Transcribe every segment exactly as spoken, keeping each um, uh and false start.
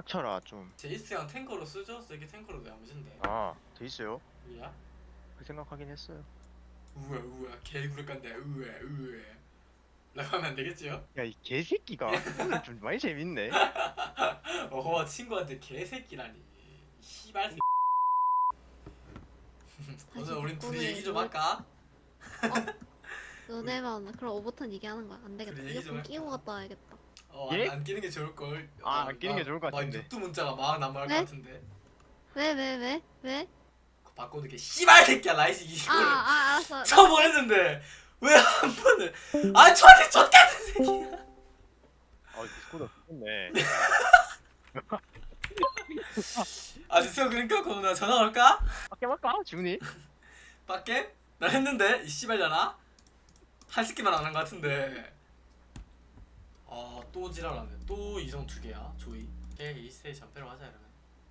닥쳐라 좀. 제이스랑 탱커로 쓰죠? 세게 탱커로도 야무진데. 아, 돼 있어요? 야? 그 생각하긴 했어요. 우와 우와 개구를 깐다 우와 우와 라고 하면 안 되겠지요? 야, 이 개새끼가 오늘 좀 많이 재밌네. 어허 친구한테 개새끼라니 씨발 새 오늘 우린 둘이 얘기 좀 할까? 너네만 그럼 오버튼 얘기하는 거야. 안 되겠다. 그래, 얘기 좀 이어폰 할까? 끼고 갔다 와야겠다. 어, 예? 안, 안 끼는 게 좋을걸. 아, 어, 안 끼는 게 막- 좋을 것 막 같은데. 유튜브 문자가 막 난무할 것 네? 같은데. 왜, 왜, 왜? 왜? 그거 바꿔놓게 씨발 새끼야 라이스 아, 이거를 아, 알았어. 쳐버렸는데 왜 한 번을 아 저한테 젖 같은 새끼야. 아, 디스코드 좋네. 아 진짜 그러니까 그럼 나 전화 걸까? 밖에 갈까? 지훈이? 밖에? 나 했는데 이 씨발잖아. 한 새끼만 안 한 것 같은데. 아 또 지랄하네. 또 이성 두 개야 조이. 걔 이세 전패로 하자 이러면.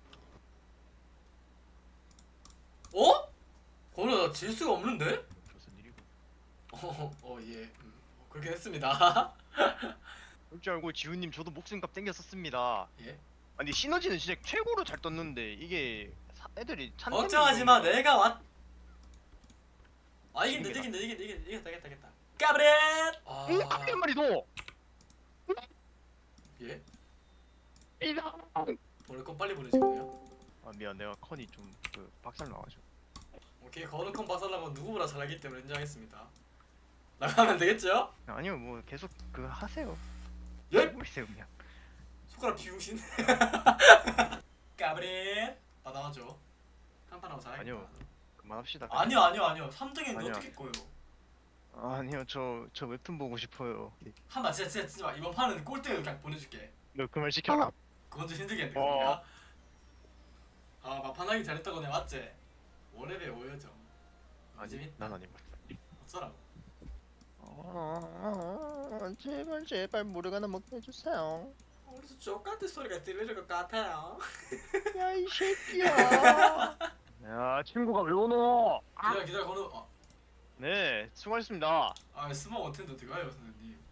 어? 거는 나질 수가 없는데? 무슨 일이고? 어, 어 예. 음, 그렇게 했습니다. 그럴 줄 알고 지훈님 저도 목숨값 땡겼었습니다. 예? 아니 시너지는 진짜 최고로 잘 떴는데 이게 사- 애들이 찬. 걱정하지 마. 내가 왔. 아 이긴다 이긴다 이긴다 이긴다 이겼다 이겼다 이겼다. 까브렛. 아. 응, 한 마리도. 예? 이다. 보낼 건 빨리 보내주고요. 아 미안, 내가 컨이 좀 그 박살 나가지고. 오케이 거룩한 박살난 건 누구보다 잘하기 때문에 인정하겠습니다. 나가면 되겠죠? 아니요, 뭐 계속 그 하세요. 예? 모르세요 그냥. 손가락 비우신. 까브렛. 받아와줘. 한판하고 잘하겠다. 아니요. 그만합시다. 아니요 아니요 아니요. 삼 등인데 아니요. 어떻게 꺼요? 아니요, 저 저 웹툰 보고 싶어요. 한판 진짜 진짜 진짜 이번 판은 꼴등을 그냥 보내줄게. 너 그 말 시켜라. 그건 좀 힘들겠네. 어. 그거야. 아 막판하기 잘했다고 내가 맞지? 오레벨 오여정. 아니, 재밌다. 난 아니고. 어쩌라고? 아, 제발 제발 모르가나 먹게 해주세요. 어디서 족같은 소리가 들릴 것 같아요. 야 이 새끼야. 야 친구가 왜 오노? 기다려 기다려 건우. 어. 네, 수고하셨습니다. 아 스마 어텐더 들어가요 선생님.